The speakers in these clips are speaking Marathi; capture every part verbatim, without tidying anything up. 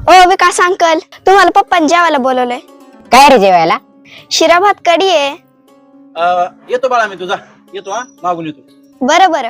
ओ विकास अंकल, तुम्हाला पप्पांनी जेवायला बोलवलंय. काय रे जेवायला? शिरा भात कढी आहे. अं, येतो बाळा मी तुझा येतो हा मागून येतो. बरं बरं.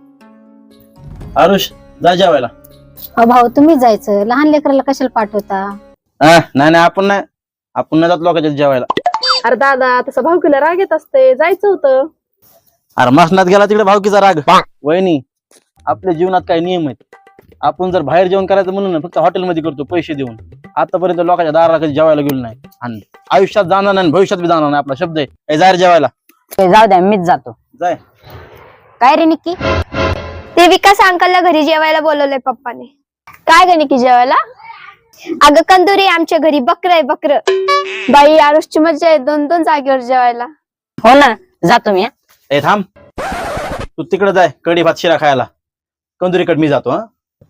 आरुष जा जेवायला. अ भाऊ तुम्ही जायचं, लहान लेकराला कशाला पाठवता? हा, नाही नाही आपण नाही आपण नाही जात लोकांच्या जेवायला. अरे दादा तसं भावकीला राग येत असते, जायचं होतं. अरे मसनात गेला तिकडे भावकीचा राग. वहिनी, आपल्या जीवनात काही नियम आहेत. आपण जर बाहेर जेवण करायचं म्हणून ना फक्त हॉटेलमध्ये करतो पैसे देऊन. आतापर्यंत लोकांच्या दाराला कधी जेवायला गेलो नाही आणि आयुष्यात जाणार नाही, भविष्यात बी जाणार नाही. आपला शब्द आहे ए, जाहीर जेवायला. ते जाऊ द्या, मीच जातो. जाय. काय रे निक्की? ते विकास अंकलला घरी जेवायला बोलवलंय पप्पाने. काय गणी की जेवायला? अगं कंदुरी आमच्या घरी बकर आहे बकर. बाई आरुषची मज्जा आहे दोन दोन जागेवर जेवायला. हो ना, जातो मी. ए थांब, तू तिकडे जाय कढी भात शिरा खायला. कंदुरीकडे मी जातो. हा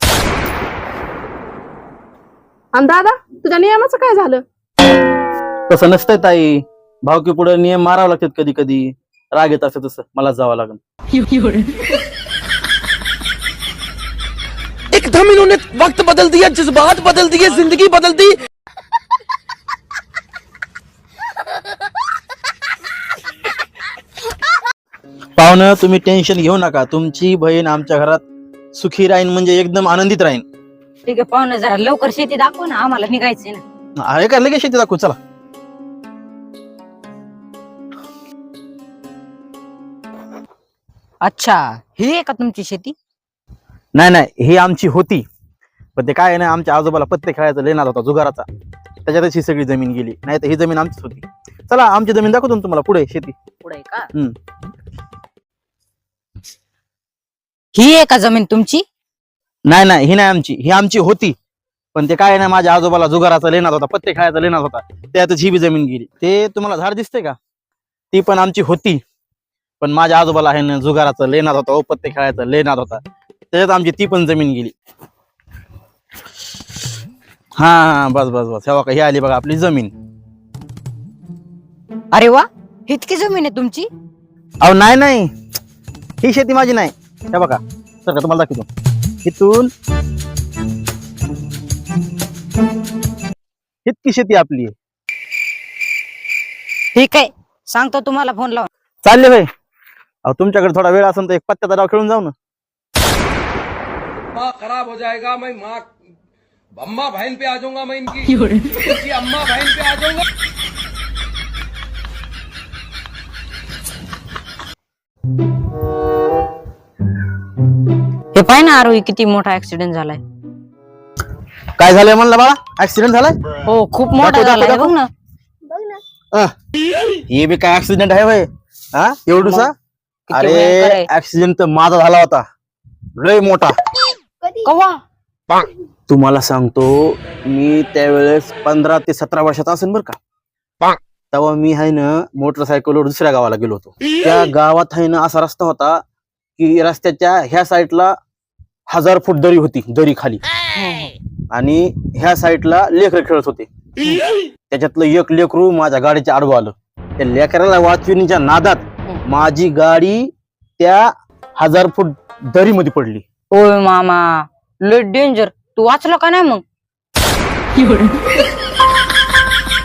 आणि दादा तुझ्या नियमाचं काय झालं? तसं नसतंय ताई, भावकी पुढे नियम मारावं लागतात. कधी कधी राग येत असं तसं मला जावं लागेल. एकदम इन्होंने वक्त बदल दिया, जज्बात बदल दिए, जिंदगी बदल दी. पाहुणं तुम्ही टेन्शन घेऊ नका. तुमची बहीण आमच्या घरात सुखी राहीन म्हणजे एकदम आनंदित राहीन. ठीक आहे पाहुणे, जरा लवकर शेती दाखव ना, आम्हाला निघायचंय ना. अरे का लगेच शेती दाखवू. चला. अच्छा, ही आहे का तुमची शेती? नाही नाही, ही आमची होती, पण ते काय आहे ना, आमच्या आजोबाला पत्ते खेळायचा लेनात होता जुगाराचा, त्याच्यातच ही सगळी जमीन गेली. नाही तर ही जमीन आमचीच होती. चला आमची जमीन दाखवतो ना तुम्हाला पुढे शेती. पुढे का? हम्म. ही आहे का जमीन तुमची? नाही नाही, ही नाही आमची, ही आमची होती, पण ते काय आहे ना, माझ्या आजोबाला जुगाराचा लेनात होता, पत्ते खेळायचा लेनात होता, त्यातच ही बी जमीन गेली. ते तुम्हाला झाड दिसते का, ती पण आमची होती, पण माझ्या आजोबाला आहे ना जुगाराचा लेनात होता, ओ पत्ते खेळायचा लेनात होता, त्याच्यात आमची ती पण जमीन गेली. हा हा, बस बस बस, हे बघा, ही आली बघा आपली जमीन. अरे वा, इतकी जमीन आहे तुमची? अहो नाही नाही, ही शेती माझी नाही. हे बघा सर का, तुम्हाला दाखवतो. इथून इतकी शेती आपली आहे. ठीक आहे, सांगतो तुम्हाला फोन लावून. चालले भाई. अहो तुमच्याकडे थोडा वेळ असेल तर एक पत्त्याचा डाव खेळून जाऊ ना. माँ खराब हो जाएगा, मैं माँ अम्मा बहन पे आ जाऊंगा, मैं इनकी इनकी अम्मा बहन पे आ जाऊंगा. हे पाय ना आरोही, किती मोठा ऍक्सिडेंट झालाय. काय झालंय म्हणलं बाळा? ऍक्सिडेंट झालाय? हो, खूप मोठा दाखव, झालाय. दाखव, बघ ना. बघ ना. अह, हे बी काय ऍक्सिडेंट आहे भाई? हा एवढूसा? किती अरे भयंकर आहे. ऍक्सिडेंट तर माझा झाला होता, लय मोठा. कधी? कवा? तुम्हाला सांगतो, मी त्यावेळेस पंधरा ते सतरा वर्षाचा असेल बरं का. तेव्हा मी आहे ना मोटरसायकलवर दुसऱ्या गावाला गेलो होतो. त्या गावात आहे ना असा रस्ता होता की रस्त्याच्या ह्या साईडला हजार फूट दरी होती, दरी खाली, आणि ह्या साईडला लेकर खेळत होते. त्याच्यातलं एक लेकरू माझ्या गाडीच्या आडवं आलं. त्या लेकराला वाचविण्याच्या नादात माझी गाडी त्या हजार फूट दरीमध्ये पडली. ओय मामा, लय डेंजर. तू वाचला का नाही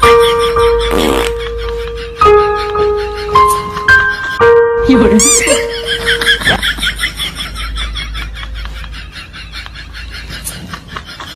मग?